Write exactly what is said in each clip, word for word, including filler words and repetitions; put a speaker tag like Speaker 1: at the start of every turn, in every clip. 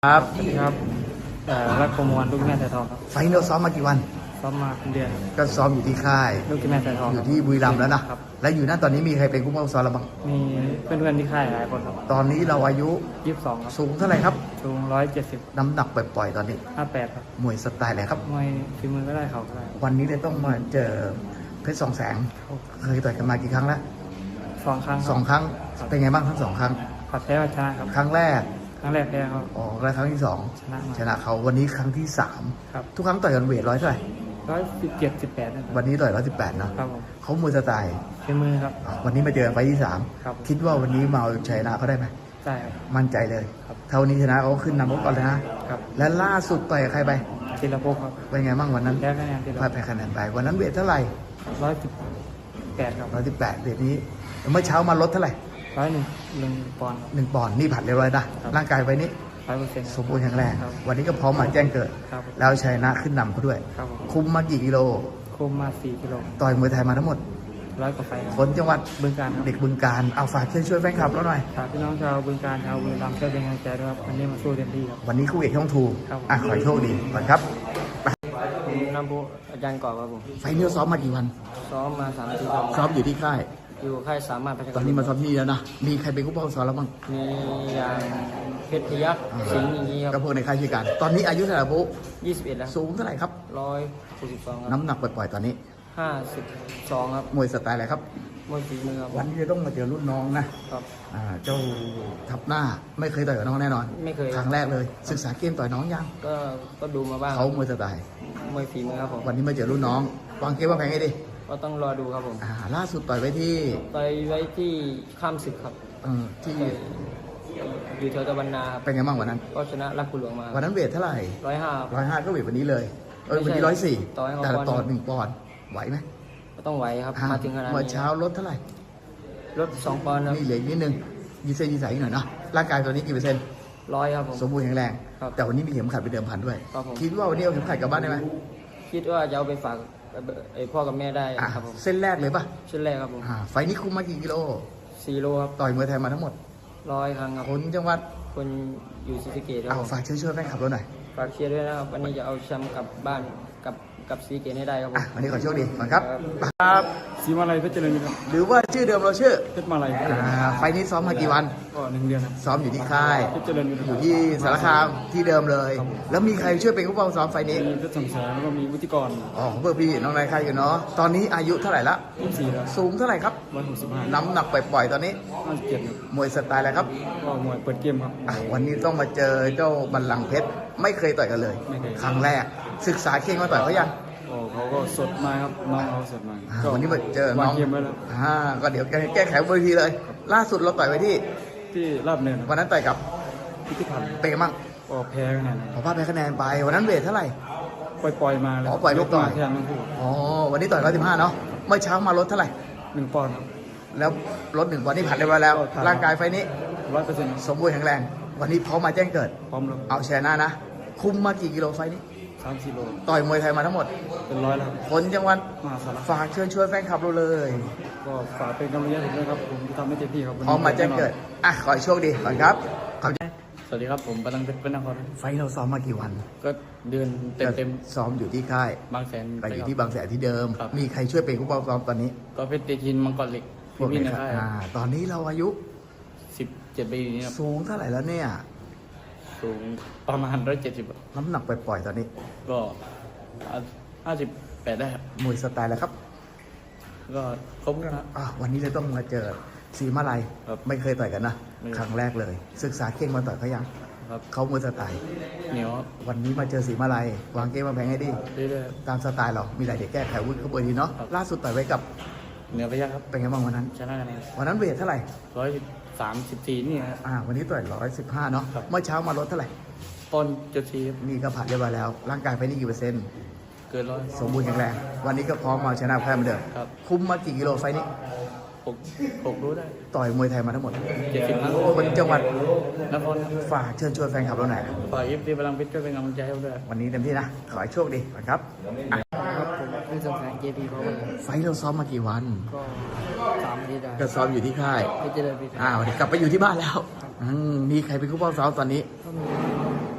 Speaker 1: ครับสวัสดีครับเอ่อรักโปรโมวันลูกแม่สายทองครับ
Speaker 2: ไฟน์เราซ้อมมากี่วัน
Speaker 1: ซ้อมมาเป็นเดือนครับ
Speaker 2: ก็ซ้อมอยู่ที่ค่าย
Speaker 1: ลูกแม่สายทอง
Speaker 2: อ
Speaker 1: ค
Speaker 2: ยู่
Speaker 1: รับ
Speaker 2: ที่บุรีรัมย์แล้วนะครับ แล้วอยู่นั่นตอนนี้มีใครเป็นผู้ป้องซ้อมเราบ้าง
Speaker 1: มีเพื่อนๆที่ค่ายหลายคนครับ
Speaker 2: ตอนนี้เราอายุ
Speaker 1: ยี่สิบสองครับ
Speaker 2: สูงเท่าไหร่ครับ
Speaker 1: สูงร้อยเจ็ดสิบ
Speaker 2: น้ำหนักปล่อยๆตอนนี้
Speaker 1: ห้าแปดครับ
Speaker 2: มวยสไตล์อะไรครับ
Speaker 1: มวยฝีมือก็ได้เขาก็ได้
Speaker 2: วันนี้เลยต้องมาเจอเพชรสองแสง เคยต่อยกันมากี่ครั้งแล้ว
Speaker 1: สองครั้ง
Speaker 2: สองครั้ง เป็นไงบ้างทั้งสองครั้ง
Speaker 1: ผัดแพ้ผัดชนะครับ
Speaker 2: ครั้งแรก
Speaker 1: ครั้งแรกแพ้เขา
Speaker 2: อ๋อแล้วครั้งที่สอง
Speaker 1: ชนะมา
Speaker 2: ชนะเขาวันนี้ครั้งที่สาม
Speaker 1: ครับ
Speaker 2: ทุกครั้งต่อยกันเวทร้อยเท่าไหร่
Speaker 1: ร้อยสิบเจ็ดสิบแปดนะครับ
Speaker 2: วันนี้ต่อยร้อยสิบแปดเนาะ
Speaker 1: ครับผม
Speaker 2: เขามวยสไตล์
Speaker 1: ฝีมือครับ
Speaker 2: อ่ะวันนี้มาเจอกันไฟล์ที่สาม
Speaker 1: ครับ
Speaker 2: คิดว่าวันนี้มาเอาชัยชนะเขาได้ไหม
Speaker 1: ใช่ครับ
Speaker 2: มั่นใจเลย
Speaker 1: ครับ
Speaker 2: เท่านี้ชนะเขาขึ้นนำเขาก่อนเลยนะ
Speaker 1: ครับ
Speaker 2: และล่าสุดต่อยกับใครไป
Speaker 1: ศิลปภครับ
Speaker 2: เป็นไงบ้างวันนั้น
Speaker 1: แพ้คะแนนศิล
Speaker 2: พลาด
Speaker 1: ป
Speaker 2: แพ้คะแนนไป วันนั้นเวทเท่าไหร่
Speaker 1: ร้อยสิบแปดครับ
Speaker 2: ร้อยสิบแปดเวทนี้ เมื่อเช้ามาลดเท่าไหร่
Speaker 1: ร้อยหนึ่งหนึ่งปอนด์
Speaker 2: หนึ่งปอนด์นี่ผัดเรียบร้อยนะ
Speaker 1: ครับ
Speaker 2: ร่างกายไปนี้
Speaker 1: ร้อยเปอร์เซ็นต์
Speaker 2: สมบูรณ์แข็งแรง
Speaker 1: ครับ
Speaker 2: วันนี้ก็พร้อมมาแจ้งเกิด
Speaker 1: ครับ
Speaker 2: แล้วชัยชนะขึ้นนำเขาด้วย
Speaker 1: ครับผม
Speaker 2: คุมมากี่กิโล
Speaker 1: คุมมาสี่กิโล
Speaker 2: ต่อยมวยไทยมาทั้งหมด
Speaker 1: ร้อยกว่าไฟครับ
Speaker 2: คนจังหวัด
Speaker 1: บึงการครับ
Speaker 2: เด็กบึงการ เอาฝากช่วยช่วยแฟนคลับเราหน่อย
Speaker 1: ฝากพี่น้องชาวบึงการชาวบุรีรัมย์ช่วยเป็นกำลังใจด้วยครับวันนี้มาสู้เต็มที่ครับ
Speaker 2: วันนี้คู่เอกช่องทู
Speaker 1: ครับ
Speaker 2: อ่ะขอให้โชคดีก่อนครับ
Speaker 1: ผมนำผู้อาจารย์ก่อครับผม
Speaker 2: ไฟล์นี้ซ้อมมากี่วัน
Speaker 1: ซ้อมมาสามอาทิตย์ครับ
Speaker 2: ซ้อมอยู่ที่ค่าย
Speaker 1: อยู่ค่ายสามารถพัฒ
Speaker 2: ตอนนี้มาซ้อมที่นี่แล้วนะ มีใครเป็นผู้ป้องซ้อมแล้วบ้าง
Speaker 1: มีอย่างเพชรพยัคฆ์สิงห์อย่างนี้ค
Speaker 2: ก็
Speaker 1: รับ
Speaker 2: พวกในค่ายช่วยกัน ตอนนี้อายุเท่าไหร่ปุ๊
Speaker 1: ยี่สิบเอ็ดแล้ว
Speaker 2: สูงเท่าไหร่ครับ
Speaker 1: ร้อยหกสิบสองครับ
Speaker 2: น้ำหนักปล่อยๆตอนนี้
Speaker 1: ห้าสิบสองครับ
Speaker 2: มวยสไตล์อะไรครับ
Speaker 1: มวยฝีมือครับ
Speaker 2: วันนี้จะต้องมาเจอรุ่นน้องนะ
Speaker 1: ครับ
Speaker 2: อ่า เจ้าทับหน้าไม่เคยต่อยกับน้องแน่นอน
Speaker 1: ไม่เคย
Speaker 2: ครั้งแรกเลย ศึกษาเกมต่อยน้องยัง
Speaker 1: ก็ก็ดูมาบ้าง
Speaker 2: เขามวยสไตล์
Speaker 1: มวยฝีมือครับผม
Speaker 2: วันนี้มาเจอรุ่นน้อง วางเกมวางแผนให้ดี
Speaker 1: ก็ต้องรอดูครับผม
Speaker 2: อ่า ล่าสุดต่อยไว้ที่
Speaker 1: ไปไว้ที่ข้ามศึกครับ
Speaker 2: เอ่อที่
Speaker 1: อยู่แถวตะวันนาครับ
Speaker 2: เป็นไงบ้างวันนั้น
Speaker 1: ก็ชนะรักกุหลวงมา
Speaker 2: วันนั้นเวทเท่าไหร่
Speaker 1: ร้อยห้า
Speaker 2: ร้อยห้าก็เวทวันนี้เลย เออวันนี้
Speaker 1: ไม่
Speaker 2: ร้อย
Speaker 1: ใช่
Speaker 2: สี่
Speaker 1: ต่อให้เขา
Speaker 2: แต่
Speaker 1: ปอนด์
Speaker 2: ต่อหนึ่งปอนด์ไหวไหม
Speaker 1: ก็ต้องไหวครับ
Speaker 2: อ่
Speaker 1: มาถึงขนาด
Speaker 2: เมื่อ
Speaker 1: นี้
Speaker 2: เช้าลดเท่าไหร่
Speaker 1: ลดสองปอนด์ครับ
Speaker 2: นี่เหลืออีกนิดนึงยีเซนยีใสหน่อยเนาะ ร่างกายตอนนี้กี่เปอร์เซ็นต์
Speaker 1: ร้อยครับผม
Speaker 2: สมบูรณ์แข็งแรง
Speaker 1: ครับ
Speaker 2: แต่วันนี้มีเข็มขัดเป็นเดิมพันด้วย
Speaker 1: ครับผม
Speaker 2: คิดว่าวันนี้เอาเข็มขัดกลับบ้านได้ไหม
Speaker 1: คิดว่าจะเอาไปฝากไอ้พ่อกับแม่ได้
Speaker 2: อ่ะ
Speaker 1: ครับผม
Speaker 2: เส้นแรกเลยป่ะ
Speaker 1: ชุดแรกครับผม
Speaker 2: อ่าไฟล์นี้คุมมากี่กิโล
Speaker 1: สี่โลครับ
Speaker 2: ต่อยมวยไทยมาทั้งหมด
Speaker 1: ร้อยครั้งครับ
Speaker 2: คนจังหวัด
Speaker 1: คนอยู่ศรีสะเกษครั
Speaker 2: เอา
Speaker 1: บผม
Speaker 2: ฝากช่วยช่วยๆแฟนคลับเราหน่อย
Speaker 1: ฝากเชียร์ด้วยนะครับวันนี้จะเอาแชมป์กลับบ้านกับกับศรีสะเกษให้ได้ครับผ
Speaker 2: อ่ะ
Speaker 1: ม
Speaker 2: วันนี้ขอโชคดีก่อนครับ
Speaker 1: ครับ
Speaker 2: ครับ
Speaker 1: สีมาลัยเพชรเจริญครับ
Speaker 2: หรือว่าชื่อเดิมเราชื่อ
Speaker 1: เพชรมาลัย
Speaker 2: อ่าไฟล์นี้ซ้อมมากี่วัน
Speaker 1: ก็หนึ่งเดือนครับ
Speaker 2: ซ้อมอยู่ที่ค่าย
Speaker 1: เพชรเจริญ
Speaker 2: อยู่ที่สารคามที่เดิมเลย แล้วมีใครช่วยเป็นผู้ป้องซ้อมไฟล์นี้
Speaker 1: มีเพชรสมแสงแล้วก็มีวุฒิกร
Speaker 2: อ๋อเพื่อพี่น้องนายค่ายอยู่เนาะ ตอนนี้อายุเท่าไหร่ละ
Speaker 1: ยี่สิบสี่แล้ว
Speaker 2: สูงเท่าไหร่ครับ
Speaker 1: ร้อยหกสิบห้า
Speaker 2: น้ำหนักปล่อยๆตอนนี้
Speaker 1: ห้าสิบเจ็ดครับ
Speaker 2: มวยสไตล์อะไรครับ
Speaker 1: ก็มวยเปิดเกมครับ
Speaker 2: อ่ะวันนี้ต้องมาเจอเจ้าบัลลังก์เพชร ไม่เคยต่อยกันเลย
Speaker 1: ไม่เคย
Speaker 2: ครั้งแรก ศึกษาเข่งมาต่อยเขายัง
Speaker 1: โอ้เขาก็สดมาครับน้องเขาสดมา
Speaker 2: อ่าวันนี้มาเจอ
Speaker 1: วา
Speaker 2: น้
Speaker 1: ง
Speaker 2: อง
Speaker 1: เกมไว้แล้ว
Speaker 2: อ่าก็เดี๋ยวแก้ไขบนเวทีเลย ล่าสุดเราต่อยไปที่
Speaker 1: ที่ราบเนิน
Speaker 2: วันนั้นต่อยกับ
Speaker 1: พิพิธภัณฑ์
Speaker 2: เป็นไงบ้าง
Speaker 1: ก็แพ้คะแนน
Speaker 2: ขอพลาดแพ้คะแนนไป วันนั้นเวทเท่าไหร่
Speaker 1: ปล่อยปล่อยๆมาเลย
Speaker 2: อ๋อปล่อยไปก่อน
Speaker 1: แทนทั้งคู่
Speaker 2: อ๋อ วันนี้ต่อยร้อยสิบห้าเนาะ เมื่อเช้ามาลดเท่าไหร่
Speaker 1: หนึ่งปอนด์ครับ
Speaker 2: แล้วลดหนึ่งวันนี้ผ่านได้ไปแล้ว
Speaker 1: ผ่าน
Speaker 2: ร่างกายไฟนี้
Speaker 1: ร้อยเปอร์เซ็นต์
Speaker 2: สมบูรณ์แข็งแรง วันนี้พร้อมมาแจ้งเกิด
Speaker 1: พร้อมแล้ว
Speaker 2: เอาชนะนะ คุมมากี่กิโลไฟนี้
Speaker 1: สามสี่โล
Speaker 2: ต่อยมวยไทยมาทั้งหมด
Speaker 1: เป็นร้อยแล้วครับ
Speaker 2: คนจังหวัด
Speaker 1: มหาสารคาม
Speaker 2: ฝากเชิญชวนแฟนคลับเราเลย
Speaker 1: ก็ฝากเป็นกำลังใจให้ผมด้วยครับผมจะทำให้เต็มที่ครับวัน
Speaker 2: พร้อ
Speaker 1: นี้
Speaker 2: มมาแจ้งเกิด อ่ะ ขอให้โชคดีก่อนครับขอบคุณ
Speaker 1: สวัสดีครับผมปนังเพชรเป็นนคร
Speaker 2: ไฟเราซ้อมมากี่วัน
Speaker 1: ก็เดือนเต็มเต็ม
Speaker 2: ซ้อมอยู่ที่ค่าย
Speaker 1: ๆบางแสน
Speaker 2: ไปอยู่ที่บางแสนที่เดิม
Speaker 1: ครับ
Speaker 2: มีใครช่วยเป็นผู้ปกครองตอนนี้
Speaker 1: ก็เพชรเตชินมังกรเหล็ก
Speaker 2: พวก
Speaker 1: พี่
Speaker 2: นี้
Speaker 1: ๆนะ
Speaker 2: ค
Speaker 1: ค
Speaker 2: รั
Speaker 1: รั
Speaker 2: บบ อ่าตอนนี้เราอายุ
Speaker 1: สิบเจ็ดปีนี้ครับ
Speaker 2: สูงเท่าไหร่แล้วเนี่ย
Speaker 1: สูงประมาณร้อยเจ็ดสิบ
Speaker 2: น้ำหนักปล่อยๆตอนนี้
Speaker 1: ก็ห้าสิบแปดได้ครับ
Speaker 2: มวยสไตล์แล้วครับ
Speaker 1: ก็ครบนะครับ
Speaker 2: อ่ะวันนี้เลยต้องมาเจอสีมาลัย
Speaker 1: ครับ
Speaker 2: ไม่เคยต่อยกันนะ
Speaker 1: ไม่
Speaker 2: ครั้งแรกเลย ศึกษาเข่งมาต่อยเขายัง
Speaker 1: ครับ
Speaker 2: เขามวยสไตล์
Speaker 1: เหนียวครับ
Speaker 2: วันนี้มาเจอสีมาลัย วางเกมมาแพงให้ดี
Speaker 1: เรื่อย
Speaker 2: ตามสไตล์เรา มีอะไรเดี๋ยวแก้ไขวุ้นเขาบดีเนาะ
Speaker 1: ครับ
Speaker 2: ล่าสุดต่อยไว้กับ
Speaker 1: ๆเหนือไปยักครับ
Speaker 2: เป็นไงบ้างวันนั้น
Speaker 1: ชนะคะแนน
Speaker 2: วันนั้นเวทเท่าไหร่
Speaker 1: ร้อยสามสิบสี่นี่ครับ
Speaker 2: อ่า วันนี้ต่อยร้อยสิบห้าเนาะ
Speaker 1: ครับ
Speaker 2: เมื่อเช้ามาลดเท่าไหร่
Speaker 1: ต้นจุดสี่ครับ
Speaker 2: นี่ก็ผ่านเรียบร้อยแล้ว ร่างกายไปนี่กี่เปอร์เซ็นต์
Speaker 1: เกินร้อย
Speaker 2: สมบูรณ์แข็งแรง วันนี้ก็พร้อมมาชนะแพ้เหมือนเดิม
Speaker 1: ครับ
Speaker 2: คุมมากี่กิโลไฟล์นี้
Speaker 1: หกหกรู้ได้
Speaker 2: ต่อยมวยไทยมาทั้งหมด
Speaker 1: เจ็ดสิบครั้ง
Speaker 2: คนจังหวัด
Speaker 1: นคร
Speaker 2: ฝากเชิญชวนแฟนคลับเราหน่อย
Speaker 1: ฝ่ายเอฟซีพลังเพชรช่วยเป็นกำลังใจให้ผมด้วย
Speaker 2: วันนี้เต็มที่นะ ขอให้โชคดีก่อนครับอ่ะ
Speaker 1: ครับผมเป็นสงสารเจพีเพราะว่า
Speaker 2: ไฟล์เราซ้อมมากี่วัน
Speaker 1: ก็สามที่ได้
Speaker 2: ก็ซ้อมอยู่ที่ค่าย
Speaker 1: เพชรเจริญพิทักษ์
Speaker 2: อ่าวันนี้กลับไปอยู่ที่บ้านแล้วอืมมีใครเป็นผู้ป้องซ้อมตอนนี้
Speaker 1: ก็มี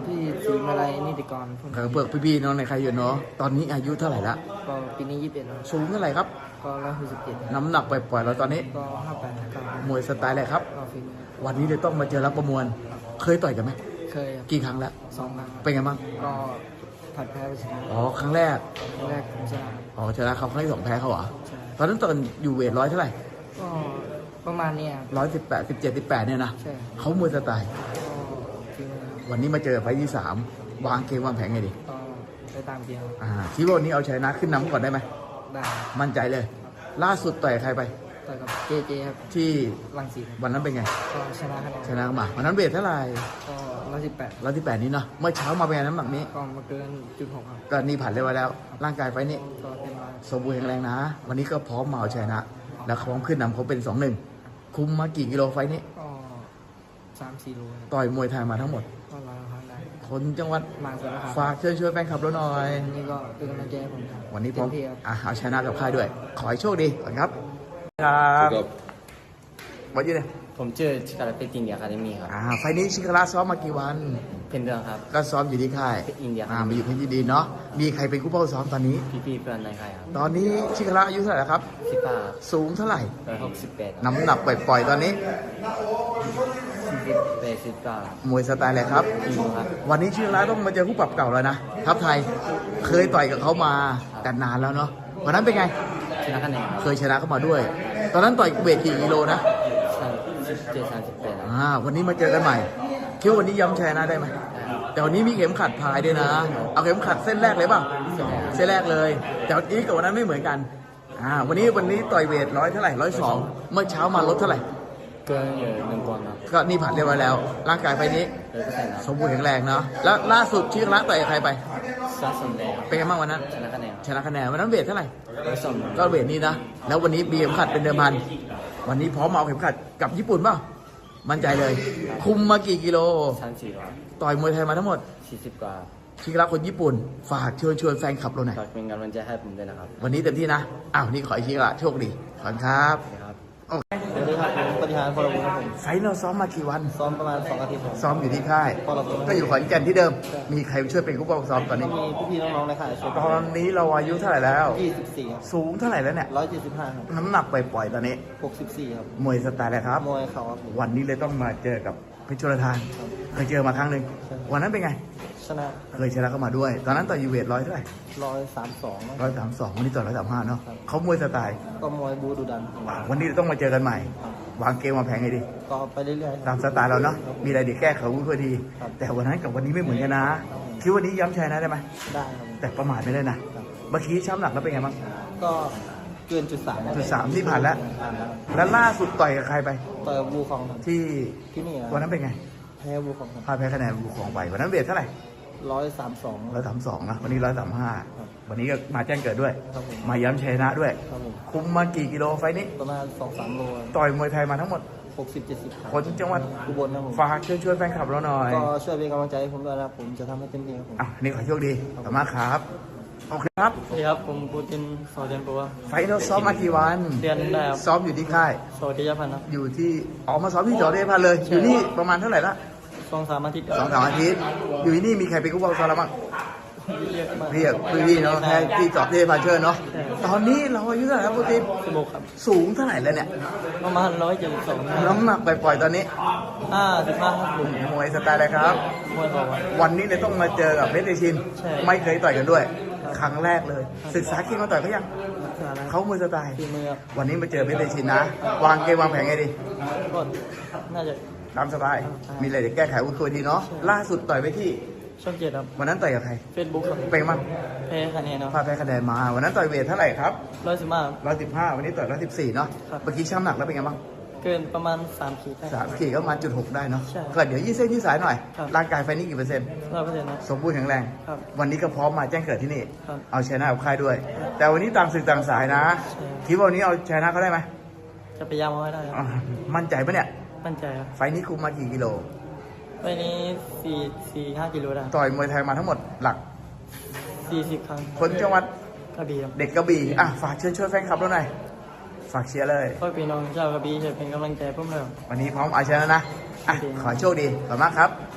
Speaker 1: ทีมอะไรนิติกรพวก
Speaker 2: เอ
Speaker 1: นี้
Speaker 2: อเบิกพี่ๆน้องในใครอยู่เนาะตอนนี้อายุเท่าไหร่ละ
Speaker 1: ก็ปีนี้ยี่สิบเอ็ดแล้ว
Speaker 2: สูงเท่าไหร่ครับ
Speaker 1: ก็ร้อยหกสิบเจ็ด
Speaker 2: น้ำหนักปล่อยๆเราตอนนี้
Speaker 1: ก็ห้าแปดเก้าม
Speaker 2: วยสไตล์อะไรครับ
Speaker 1: ก็ฟิล์ม
Speaker 2: วันนี้เลยต้องมาเจอรับประมวล เคยต่อยกันไหม
Speaker 1: เคยครับ
Speaker 2: กี่ครั้งแล้ว
Speaker 1: สองครั้ง
Speaker 2: เป็นไงบ้าง
Speaker 1: ก็ผัดแพ้ไปชนะ
Speaker 2: อ๋อครั้งแรก
Speaker 1: ครั้งแรกผมชนะ
Speaker 2: อ๋อชนะเขาครั้งที่สองแพ้เขาเหรอ
Speaker 1: ใช่
Speaker 2: ตอนนั้นตอนอยู่เวทร้อยเท่าไหร่
Speaker 1: ก็ประมาณเนี้ยครับ
Speaker 2: ร้อยสิบแปดสิบเจ็ดสิบแปดเนี่ยนะ
Speaker 1: ใช่
Speaker 2: เขามวยสไตล์
Speaker 1: ก็ฟิล์มครับ
Speaker 2: วันนี้มาเจอไฟล์ที่สามวางเกมวางแผนไงดี
Speaker 1: ก็ไปตามเกมครับ
Speaker 2: อ่าคิดว่าวันนี้เอาชนะขึ้นนำก่อนได้ไหม
Speaker 1: ได้
Speaker 2: มั่นใจเลย ล่าสุดต่อยใครไป
Speaker 1: ต่อยกับเจเจครับ
Speaker 2: ที่
Speaker 1: ลังสีครับ
Speaker 2: วันนั้นเป็นไง
Speaker 1: ก็ชนะคะแนน
Speaker 2: ชนะมาวันนั้นเวทเท่าไหร่
Speaker 1: ก็ร้อยสิบแปด
Speaker 2: ร้อยที่แปดนี้เนาะเมื่อเช้ามาเป็นไงน้ำหนักนี้
Speaker 1: ก็มาเกินจุดหกครับ
Speaker 2: ก็นี่ผ่านเรียบร้อยแล้ว ร่างกายไฟล์นี้
Speaker 1: ก็เต็มร้อย
Speaker 2: สมบูรณ์แข็งแรงนะ วันนี้ก็พร้อมมาเอาชนะ แล้วพร้อมขึ้นนำเขาเป็นสองหนึ่งคุมมากี่กิโลไฟล์นี้
Speaker 1: ก็สามสี่โลครับ
Speaker 2: ต่อยมวยไทยมาทั้งหมด
Speaker 1: ก็ร้อยครั้งได้
Speaker 2: คนจังหวัด
Speaker 1: มาสุดแล้วครับ
Speaker 2: ฝากเชิญชวนแฟนคลับเราหน่อย
Speaker 1: วันนี้ก็เป็นกำลังใจให้ผมครับ
Speaker 2: วันนี้พร้อม
Speaker 1: เต็ที่ครับ
Speaker 2: อ่ะเอาชนะกับค่ายด้วย ขอให้โชคดีก่อนครับ ครับวันนี้เนี่ย
Speaker 1: ผมชื่อชิคาราเปตินเดียคาเดมี่ครับ
Speaker 2: อ่าไฟล์นี้ชิคาราซ้อมมากี่วัน
Speaker 1: เป็นเรื่องครับ
Speaker 2: ก็ซ้อมอยู่ที่ค่าย
Speaker 1: อินเดีย
Speaker 2: อ่ามาอยู่เพชรยินดีเนาะ มีใครเป็นคู่เป้าซ้อมตอนนี้
Speaker 1: พี่ๆเพื่อนในค่ายครับ
Speaker 2: ตอนนี้ชิคาราอายุเท่าไหร่แล้วครับ
Speaker 1: สิบห้า
Speaker 2: สูงเท่าไหร่
Speaker 1: ร้อยหกสิบแปด
Speaker 2: น้ำหนักปล่อยๆตอนนี้
Speaker 1: สิบแปดสิบเก้าม
Speaker 2: วยสไตล์อะไรครับ
Speaker 1: อีโมครับ
Speaker 2: วันนี้ชิคาราต้องมาเจอคู่ปรับเก่าแล้วนะ ทัพไทย เคยต่อยกับเขามาแต่นานแล้วเนาะ วันนั้นเป็นไง
Speaker 1: ชนะคะแนน
Speaker 2: เคยชนะเขามาด้วย ตอนนั้นต่อยเวทกี่กิโลนะ
Speaker 1: สิบเจ็ดสามสิบแปด
Speaker 2: อ่า วันนี้มาเจอกันใหม่คิดว่าวันนี้ย้ำชนะได้ไหม แต่วันนี้มีเข็มขัดพายด้วยนะ เอาเข็มขัดเส้นแรกเลยเปล่าเส้นแรกเลย แต่วันนี้กับวันนั้นไม่เหมือนกัน อ่า วันนี้วันนี้ต่อยเวทร้อยเท่าไหร่ร้อยสองเมื่อเช้ามาลดเท่าไหร่
Speaker 1: เกินอยู่หนึ่งปอนด์ครับ
Speaker 2: ก็นี่ผ่านเรียบร้อยแล้ว ร่างกายไฟนี้
Speaker 1: เลยก็ใส่ครับ
Speaker 2: สมบูรณ์แข็งแรงเนาะ แล้วล่าสุดชิคละต่อยกับใครไป
Speaker 1: ซาสมแดง
Speaker 2: เป็นไงบ้างวันนั้น
Speaker 1: ชนะคะแนน
Speaker 2: ชนะคะแนนวันนั้นเวทเท่าไหร่
Speaker 1: ร้อยสอง
Speaker 2: ก็เวทนี้นะ แล้ววันนี้มีเข็มขัดเป็นเดิมพัน วันนี้พร้อมเอาเข็มขัดกับญี่ปุ่นเปล่ามั่นใจเลย คุมมากี่กิโล
Speaker 1: สามสี่ร้อย
Speaker 2: ต่อยมวยไทยมาทั้งหมด
Speaker 1: สี่สิบกว่า
Speaker 2: ชิคละคนญี่ปุ่น ฝากเชิญชวนแฟนคลับเราหน่อย
Speaker 1: ฝากเป็นกำลังใจให้ผมด้วยนะครับ
Speaker 2: วันนี้เต็มที่นะ อ้าว นี่ขอให้ชิคละโชคดีขอบคุณครับ
Speaker 1: ครับ
Speaker 2: โอเค
Speaker 1: สวัสดีครับผมปฏิหารพลบุญครับผม
Speaker 2: ไฟล์เราซ้อมมากี่วัน
Speaker 1: ซ้อมประมาณสองอาทิตย์ผม
Speaker 2: ซ้อมอยู่ที่ค่าย
Speaker 1: พลบุญ
Speaker 2: ก็อยู่ขอนแก่นที่เดิม มีใครช่วยเป็นผู้ปกครองซ้อมตอนนี้
Speaker 1: มีพี่ๆน้องๆในค่ายช่วย
Speaker 2: ตอนนี้เราอายุเท่าไหร่แล้ว
Speaker 1: ยี่สิบสี่ครับ
Speaker 2: สูงเท่าไหร่แล้วเนี่ย
Speaker 1: ร้อยเจ็ดสิบห้าครับ
Speaker 2: น้ำหนักปล่อยๆตอนนี้
Speaker 1: หกสิบสี่ครับ
Speaker 2: มวยสไตล์อะไรครับ
Speaker 1: มวยเข่าครับผม
Speaker 2: วันนี้เลยต้องมาเจอกับเพชรชลทานเคยเจอมาครั้งหนึ่ง
Speaker 1: ใช่
Speaker 2: วันนั้นเป็นไง
Speaker 1: ชนะ
Speaker 2: เคยชนะเข้ามาด้วย ตอนนั้นต่อยยูเวทร้อยเท่าไหร่
Speaker 1: ร้อยสามสอง
Speaker 2: ร้อยสามสองวันนี้ต่อยร้อยสามห้าเนาะเขามวยสไตล์
Speaker 1: ก็มวยบูดูดัน
Speaker 2: วันนี้ต้องมาเจอกันใหม่ วางเกมวางแผนไงดี
Speaker 1: ก็ไปเรื่อยๆค
Speaker 2: ตา
Speaker 1: รับ
Speaker 2: มสไตล์เราเนาะ มีอะไรเดี๋ยวแก้ไขวุ้นเพื่อดี
Speaker 1: ครับ
Speaker 2: แต่วันนั้นกับวันนี้ไม่เหมือนกันนะ คิดวันนี้ย้ำชัยนะได้ไหม
Speaker 1: ได้ครับ
Speaker 2: แต่ประมาทไม่ได้นะ เมื่อกี้ช้ำหนักแล้วเป็นไงบ้าง
Speaker 1: ก็เกินจุดสาม
Speaker 2: จุดสามที่ผ่านแล้ว
Speaker 1: ผ่านแล้ว
Speaker 2: แล้วล่าสุดต่อยกับใครไป
Speaker 1: ต่อยกับบูของครับ
Speaker 2: ที่
Speaker 1: ที่นี่ครับ
Speaker 2: วันนั้นเป็นไง
Speaker 1: แพ้บูของครับ
Speaker 2: พลาดแพ้คะแนนบุกของไป วันนั้นเวทเท่าไหร่
Speaker 1: ร้อยสามสอง
Speaker 2: ร้อยสามสองนะ วันนี้ร้อยสามห้าวันนี้ก็มาแจ้งเกิดด้วย
Speaker 1: ครับผม
Speaker 2: มาย้ำชัยนะด้วย
Speaker 1: ครับผม
Speaker 2: คุมมากี่กิโลไฟล์นี้
Speaker 1: ประมาณสองสามโล
Speaker 2: ต่อยมวยไทยมาทั้งหมด
Speaker 1: หกสิบเจ็ดสิบ
Speaker 2: คนจังหวัด
Speaker 1: อุบลครับผม
Speaker 2: ฝากเชิญชวนแฟนคลับเราหน่อย
Speaker 1: ก็ช่วยเป็นกำลังใจให้ผมด้วยนะครับผมจะทำให้เต็มที่ครับผม
Speaker 2: อ่ะนี่ขอโชคดีขอบคุณมากครับ โอเคครับ
Speaker 1: สวัสดีครับผมปูตินสอเดนปัว
Speaker 2: ไฟล์เราซ้อมมากี่วัน
Speaker 1: เดือนได้ครับ
Speaker 2: ซ้อมอยู่ที่ค่าย
Speaker 1: สวัสดีครับพันธ์ครับ
Speaker 2: อยู่ที่ออกมาซ้อมที่จอเดพันเลย อยู่นี่ประมาณเท่าไหร่ละ
Speaker 1: สองสามอาทิตย์
Speaker 2: สองสามอาทิตย์ อยู่ที่นี่มีใครเป็นกู้บอลซ้อมแล้วบ้าง
Speaker 1: เรียกมา
Speaker 2: เรียกพี่ๆเนาะแค่ที่จอบเดพันเชิญเนาะ ตอนนี้เราอายุเท่าไหร่ครับปูติน
Speaker 1: สิบหกครับ
Speaker 2: สูงเท่าไหร่แล้วเนี่ย
Speaker 1: ประมาณร้อยเจ็ดสิบสอง
Speaker 2: น้ำหนักปล่อยๆตอนนี้
Speaker 1: ห้าสิบห้าครับผม
Speaker 2: มวยสไตล์อะไรครับ
Speaker 1: มวยบอกว่า
Speaker 2: วันนี้เลยต้องมาเจอกับเพชรเดชิน
Speaker 1: ใช่
Speaker 2: ไม่เคยต่อยกันด้วย
Speaker 1: ครับ
Speaker 2: ครั้งแรกเลย ศึกษาเก่งมาต่อยเขายัง
Speaker 1: รักษานะ
Speaker 2: เขามวยสไตล์
Speaker 1: ฝีมือครับ
Speaker 2: วันนี้มาเจอเพชรเดชินนะ วางเกมวางแผนไงดี
Speaker 1: ก็น่าจะ
Speaker 2: ตามสบาย มีอะไรเดี๋ยวแก้ไขวุ้นคุยทีเนาะ ล่าสุดต่อยไปที่
Speaker 1: ช่องเจ็ดครับ
Speaker 2: วันนั้นต่อยกับใคร
Speaker 1: เฟซบุ๊กครับ
Speaker 2: เป็นมั้ง
Speaker 1: แพ้คะแนนเนาะ
Speaker 2: พลาดแพ้คะแนนมา วันนั้นต่อยเวทเท่าไหร่ครับ
Speaker 1: ร้อยสิบห้า
Speaker 2: ร้อยสิบห้าวันนี้ต่อยร้อยสิบสี่เนาะ
Speaker 1: ครับ
Speaker 2: เมื่อกี้ช้ำหนักแล้วเป็นไงบ้าง
Speaker 1: เกินประมาณสามขีดได้
Speaker 2: สามขีดก็มาจุดหกได้เนาะ
Speaker 1: ใช่
Speaker 2: ก็เดี๋ยวยี่เส้นยี่สายหน่อย
Speaker 1: ครับ
Speaker 2: ร่างกายไฟนี้กี่เปอร์เซ็นต์
Speaker 1: ร้อยเปอร์เซ็นต์นะ
Speaker 2: สมบูรณ์แข็งแรง
Speaker 1: ครับ
Speaker 2: วันนี้ก็พร้อมมาแจ้งเกิดที่นี่
Speaker 1: ครับ
Speaker 2: เอาชนะกับค่ายด้วย แต่วันนี้ต่างศึกต่างสายนะ
Speaker 1: ใช่
Speaker 2: คิดว่าวันนี้เอาชนะเขาได้ไหม
Speaker 1: จะพยายามเอาให้ได้ครับ
Speaker 2: อ่ามั่นใจปะเนี่ย
Speaker 1: มั่นใจครับ
Speaker 2: ไฟนี้คุมมากี่กิโล
Speaker 1: ไปนี้สี่สี่ห้ากิโลได้
Speaker 2: ต่อยมวยไทยมาทั้งหมดหลัก
Speaker 1: สี่สิบครั้ง
Speaker 2: คนจังหวัด
Speaker 1: กระบี่ครับ
Speaker 2: เด็กกระบี่อ่ะฝากเชิญชวนแฟนคลับเราหน่อย ฝากเชียร์เลย
Speaker 1: พ่อพี่น้องชาวกระบี่จะเป็นกำลังใจเพิ่มเติม
Speaker 2: วันนี้พร้อมเอาชนะนะ อ่ะ ขอให้โชคดี ขอบคุณมากครับ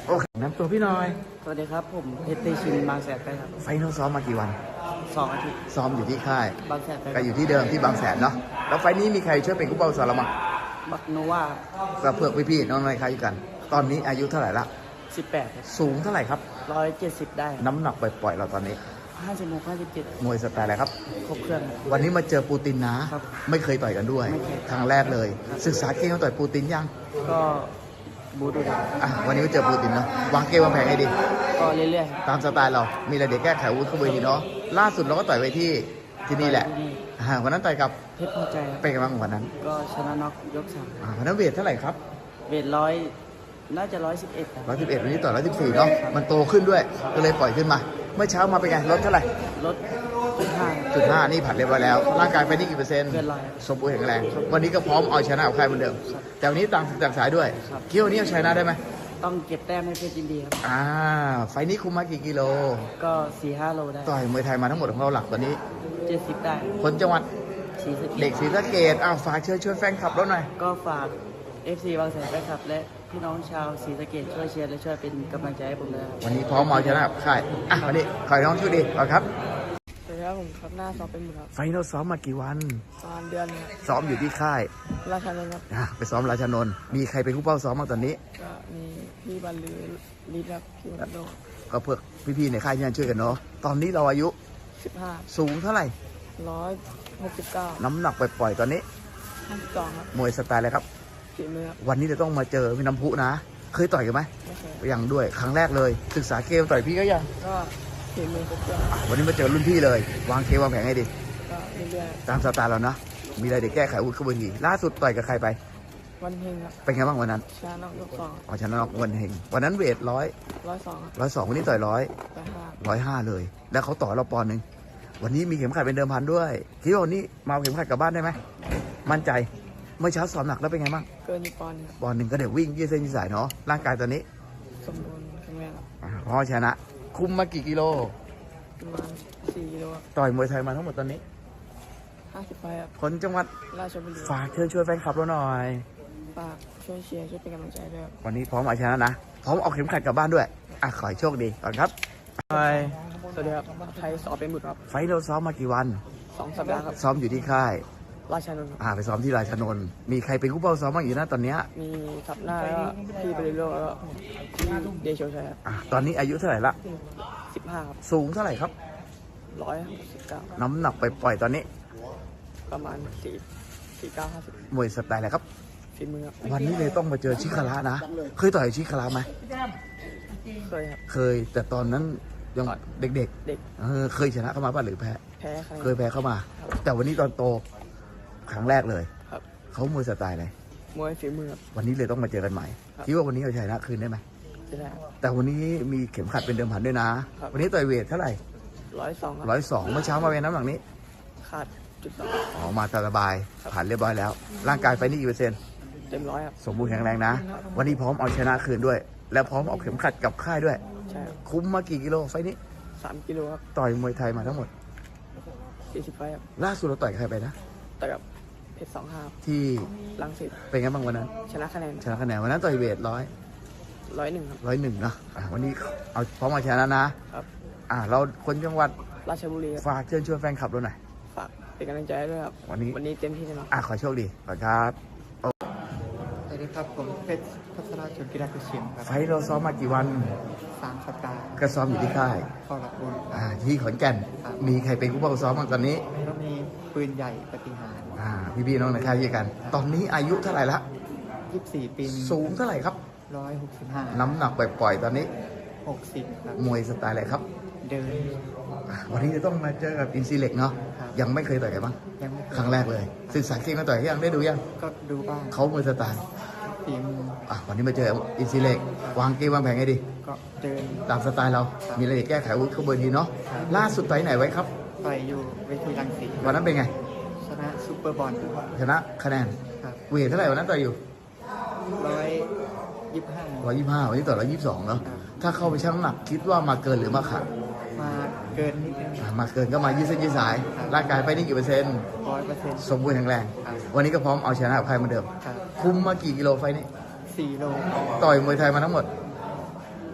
Speaker 2: โอเคน้ำตัวพี่หน่อย
Speaker 1: สวัสดีครับผมเพชรเตชินบางแสนไปครับ
Speaker 2: ไฟนอลซ้อมมากี่วัน
Speaker 1: สองอาทิตย์
Speaker 2: ซ้อมอยู่ที่ค่าย
Speaker 1: บางแสนไป
Speaker 2: ก็อยู่ที่เดิมที่บางแสนเนาะแล้วไฟล์นี้มีใครช่วยเป็นกู้เป้าสารมัง
Speaker 1: บักโนวา
Speaker 2: ก็เพื่อพี่ๆน้องในค่ายอยู่กัน ตอนนี้อายุเท่าไหร่ละ
Speaker 1: สิบแปด
Speaker 2: สูงเท่าไหร่ครับ
Speaker 1: ร้อยเจ็ดสิบได้
Speaker 2: น้ำหนักปล่อยๆเราตอนนี้
Speaker 1: ห้าสิบหกห้าสิบเจ็ด
Speaker 2: มวยสไตล์อะไรครับ
Speaker 1: ครบเครื่อง
Speaker 2: วันนี้มาเจอปูตินนะ
Speaker 1: ครับ
Speaker 2: ไม่เคยต่อยกันด้วย
Speaker 1: ไม่เคย
Speaker 2: ครั้งแรกเลย ศึกษาเกมเขาต่อยปูตินยัง
Speaker 1: ก็บูดูดา
Speaker 2: อ่ะวันนี้มาเจอปูตินเนาะวางเกมวางแผนให้ดี
Speaker 1: ก็เรื่อยๆครับ
Speaker 2: ตามสไตล์เรา มีอะไรเดี๋ยวแก้ไขอาวุ้นเข้าไปดีเนาะล่าสุดเราก็ต่อยไปที่ที่นี่แหละอ่าวันนั้นต่อยกับ
Speaker 1: เพชรพอใจครับ
Speaker 2: เป็นไงบ้างวันนั้น
Speaker 1: ก็ชนะน็อกยกสาม
Speaker 2: อ่าวันนั้นเวทเท่าไหร่ครับ
Speaker 1: เวทร้อยน่าจะร้อยสิบเอ็ดครับ
Speaker 2: ร้อยสิบเอ็ดวันนี้ต่อร้อยสิบสี่เนาะมันโตขึ้นด้วยก็เลยปล่อยขึ้นมา เมื่อเช้ามาเป็นไงลดเท่าไหร่
Speaker 1: ลดจุดห้า
Speaker 2: จุดห้านี่ผัดเรียบร้อยแล้ว ร่างกายไปนี่กี่เปอร์เซ็นต์
Speaker 1: เกินร้อย
Speaker 2: สมบูรณ์แข็งแรง วันนี้ก็พร้อมเอาชนะกับใครเหมือนเดิม แต่วันนี้ต่างต่างสายด้วย
Speaker 1: ครับ
Speaker 2: คิดว่าวันนี้เอาชนะได้ไหม
Speaker 1: ต้องเก็บแต้มให้เพชรยินดีครับ
Speaker 2: อ่า ไฟล์นี้คุมมากี่กิโล
Speaker 1: ก็สี่ห้าโลได้
Speaker 2: ต่อยมวยไทยมาทั้งหมดของเราหลักตอนนี้
Speaker 1: เจ็ดสิบได้
Speaker 2: คนจังหวัด
Speaker 1: สี่สิบ
Speaker 2: เด็กศรีสะเกษอ้าวฝากเชิญชวนแฟนคลับเราหน่อย
Speaker 1: ก็ฝาก เอฟ ซี บางแสนแฟนคลับ และพี่น้องชาวศรีสะเกษช่วยเชียร์และช่วยเป็นกำลังใจให้ผมด้วยครับ
Speaker 2: วันนี้พร้อมเอาชนะกับใครอ่ะวันนี้ขอให้น้องโช่วยดีก่อนครับ
Speaker 1: สวัสดีครับผมครับหน้าสอบเป็นหมดครับ
Speaker 2: ไฟนอลซ้อมมากี่วัน
Speaker 1: ประมาณเดือนครับ
Speaker 2: ซ้อมอยู่ที่ค่าย
Speaker 1: ราชาเนนครับ
Speaker 2: อ่ะไปซ้อมราชานนท์มีใครเป็นผู้เป้าซ้อมบ้างตอนนี้
Speaker 1: ก็มีพี่บรรลือลิศครับพี่วันโด
Speaker 2: ก็เพื่อพี่ๆในค่ายที่นั่นช่วยกันเนาะ ตอนนี้เราอายุ
Speaker 1: สิบห้า
Speaker 2: สูงเท่าไหร่
Speaker 1: ร้อยหกสิบเก้า
Speaker 2: น้ำหนักปล่อยๆตอนนี้
Speaker 1: ห้าสิบสองครับ
Speaker 2: มวยสไตล์อะไรครับ
Speaker 1: ฝีมือครับ
Speaker 2: วันนี้จะต้องมาเจอพี่น้ำพุนะ เคยต่อยกันไหม
Speaker 1: ไม่เคย
Speaker 2: ยังด้วย ครั้งแรกเลย ศึกษาเกมต่อยพี่ก็ยัง
Speaker 1: ก็ฝีมือครบเครื่อง
Speaker 2: อ่ะวันนี้มาเจอรุ่นพี่เลย วางเกมวางแผนให้ดี
Speaker 1: ก็เรื่อย
Speaker 2: ตามสไตล์เรานะ มีอะไรเดี๋ยวแก้ไขอาวุธเข้าไปดีล่าสุดต่อยกับใครไป
Speaker 1: ๆวันเฮงครับ
Speaker 2: เป็นไงบ้างวันนั้น
Speaker 1: ชนะน็อกยกสอง
Speaker 2: อ๋อชนะน็อกวันเฮงวันนั้นเวทร้อย
Speaker 1: ร้อยสองครับ
Speaker 2: ร้อยสองวันนี้ต่อยร้อย
Speaker 1: ไปห้า
Speaker 2: ร้อยห้าเลย แล้วเขาต่อเราปอนด์หนึ่งวันนี้มีเข็มขัดเป็นเดิมพันด้วยคิดว่าวันนี้มาเอาเข็มขัดกลับบ้านได้ไหมมั่นใจ เมื่อเช้าสอบหนักแล้วเป็นไงบ้าง
Speaker 1: เกินอีกปอนด์ครับ
Speaker 2: ปอนด์หนึ่งก็เดี๋ยววิ่งยืดเส้นยืดสายเนาะร่างกายตอนนี้
Speaker 1: สมบูรณ์แข็งแรงครับ
Speaker 2: อ่าพอชนะ คุมมากี่กิโล
Speaker 1: ประมาณสี่กิโลครับ
Speaker 2: ต่อยมวยไทยมาทั้งหมดตอนนี้
Speaker 1: ห้าสิบไฟครับ
Speaker 2: คนจังหวัด
Speaker 1: ราชบุรี
Speaker 2: ฝากเชิญชวนแฟนคลับเราหน่อย
Speaker 1: ฝากช่วยเชียร์ช่วยเป็นกำลังใจด้วยครับ
Speaker 2: วันนี้พร้อมเอาชนะนะ พร้อมเอาเข็มขัดกลับบ้านด้วย อ่ะ ขอให้โชคดีก่อนครับไป
Speaker 1: สวัสดีครับไทยสอบเป็นบุตรครับ
Speaker 2: ไฟท์เราซ้อมมากี่วัน
Speaker 1: สองสัปดาห์ครับ
Speaker 2: ซ้อมอยู่ที่ค่าย
Speaker 1: ราชานนท์ครับ
Speaker 2: อ่า ไปซ้อมที่ราชานนท์มีใครเป็นคู่เป้าซ้อมบ้างอยู่นะตอนเนี้ย
Speaker 1: มีทับหน้าแล้วก็พี่บริโลแล้วก็พี่เดโชชัยครับ
Speaker 2: อ่ะตอนนี้อายุเท่าไหร่ละ
Speaker 1: สิบห้าครับ
Speaker 2: สูงเท่าไหร่ครับ
Speaker 1: ร้อยสิบเก้า
Speaker 2: น้ำหนักไปปล่อยๆตอนนี้
Speaker 1: ประมาณสี่สี่เก้าห้าสิบ
Speaker 2: มวยสไตล์อะไรครับ
Speaker 1: ฝีมือครับ
Speaker 2: วันนี้เลยต้องมาเจอชิคาระนะ เคยต่อยชิคาระไหม
Speaker 1: เคยครับ
Speaker 2: เคย แต่ตอนนั้นยังเด็ก
Speaker 1: เด็ก
Speaker 2: ๆเออเคยชนะเข้ามาป่ะหรือแพ้
Speaker 1: แพ้ใคร
Speaker 2: เคยแพ้เข้ามา แต่วันนี้ตอนโตครั้งแรกเลย
Speaker 1: ครับ
Speaker 2: เขามวยสไตล์อะไร
Speaker 1: มวยฝีมือครับ
Speaker 2: วันนี้เลยต้องมาเจอกันใหม่
Speaker 1: ครับ
Speaker 2: คิดว่าวันนี้เอาชนะคืนได้ไหม
Speaker 1: จะได้
Speaker 2: แต่วันนี้มีเข็มขัดเป็นเดิมพันด้วยนะ
Speaker 1: ครับ
Speaker 2: วันนี้ต่อยเวทเท่าไหร่
Speaker 1: ร้อยสองครับ
Speaker 2: ร้อยสองเมื่อเช้ามาเป็นน้ำหนักนี้
Speaker 1: ขาดจุดสอง
Speaker 2: ออกมาสบายผ่านเรียบร้อยแล้ว ร่างกายไฟนี่กี่เปอร์เซ็นต์
Speaker 1: เต็มร้อยครับ
Speaker 2: สมบูรณ์แข็งแรงนะ วันนี้พร้อมเอาชนะคืนด้วย และพร้อมเอาเข็มขัดกลับค่ายด้วย
Speaker 1: ใช่ครับ
Speaker 2: คุ้มมากี่กิโลไฟนี้
Speaker 1: สามกิโลครับ
Speaker 2: ต่อยมวยไทยมาทั้งหมด
Speaker 1: สี่สิบไฟครับ
Speaker 2: ล่าสุดเราต่อยกับใครไปนะ
Speaker 1: แต่กับเพชรสองห้า
Speaker 2: ที่
Speaker 1: ลังสิต
Speaker 2: เป็นไงบ้างวันนั้น
Speaker 1: ชนะคะแนน
Speaker 2: ชนะคะแนนวันนั้นต่อยเวทร้อย
Speaker 1: ร้อยหนึ่งครับ
Speaker 2: ร้อยหนึ่งนะอ่ะวันนี้เอาพร้อมเอาชนะนะครับ อ่าเราคนจังหวัด
Speaker 1: ราชบุรีครับ
Speaker 2: ฝากเชิญชวนแฟนคลับเราหน่อย
Speaker 1: ฝากเป็นกำลังใจให้ด้วยครับ
Speaker 2: วันนี้
Speaker 1: วันนี้เต็มที่แน่นอน
Speaker 2: อ่ะขอโชคดีขอบคุณครับ
Speaker 3: สวัสดีครับผมเพชรพัฒนาชนกีฬากุเชียงครับ
Speaker 2: ไฟท์เราซ้อมมากี่วัน
Speaker 3: สามสัปดาห์
Speaker 2: ก็ซ้อมอยู่ที่ค่าย
Speaker 3: เข้ารับบุญ
Speaker 2: อ่าที่ขอนแก่น มีใครเป็นผู้ปกครองซ้อมบ้างตอนนี้
Speaker 3: แล้วมีปืนใหญ่ปฏิหาร
Speaker 2: อ่าพี่ๆน้องในค่ายด้วยกัน ตอนนี้อายุเท่าไหร่ละ
Speaker 3: ยี่สิบสี่ปี
Speaker 2: สูงเท่าไหร่ครับ
Speaker 3: ร้อยหกสิบห้า
Speaker 2: น้ำหนักปล่อยๆตอนนี้
Speaker 3: หกสิบครับ
Speaker 2: มวยสไตล์อะไรครับ
Speaker 3: เดิน
Speaker 2: อ่าวันนี้จะต้องมาเจอกับอินซีเล็กเนาะ
Speaker 3: ครับ
Speaker 2: ยังไม่เคยต่อยกันบ้าง
Speaker 3: ยังไม่เคย
Speaker 2: ครั้งแรกเลย ศึกษาเกมมาต่อยยังได้ดูยัง
Speaker 3: ก็ดูบ้าง
Speaker 2: เขามวยสไตล์
Speaker 3: ฝีมือ
Speaker 2: อ่ะวันนี้มาเจออินซีเล็กวางเกมวางแผนให้ดี
Speaker 3: ก็เดิน
Speaker 2: ตามสไตล์เรา มีอะไรแก้ไขอาวุธเข้าเบอร์ดีเนาะ ล่าสุดต่อยไหนไว้ครับ
Speaker 3: ไปอยู่เวทีรังสิต
Speaker 2: วันนั้นเป็นไง
Speaker 3: ชนะซูเปอร์บอล
Speaker 2: ชนะคะแนน
Speaker 3: ครับ
Speaker 2: เวทเท่าไหร่วันนั้นต่อยอยู่
Speaker 3: ร้อยยี่สิบห้า
Speaker 2: ร้อยยี่สิบห้าวันนี้ต่อร้อยยี่สิบสองเนาะ
Speaker 3: ครับ
Speaker 2: ถ้าเข้าไปชั่งน้ำหนักคิดว่ามาเกินหรือมาขาด
Speaker 3: มาเกินนิดนึง
Speaker 2: อ่ะมาเกินก็มายืดเส้นยืดสาย
Speaker 3: ครับ
Speaker 2: ร่างกายไปนี่กี่เปอร์เซ็นต์
Speaker 3: ร้อยเปอร์เซ็นต์
Speaker 2: สมบูรณ์แข็งแรง
Speaker 3: ครับ
Speaker 2: วันนี้ก็พร้อมเอาชนะกับใครเหมือนเดิม
Speaker 3: ครับ
Speaker 2: คุมมากี่กิโลไฟล์นี้
Speaker 3: สี่โล
Speaker 2: ต่อยมวยไทยมาทั้งหมด
Speaker 3: ป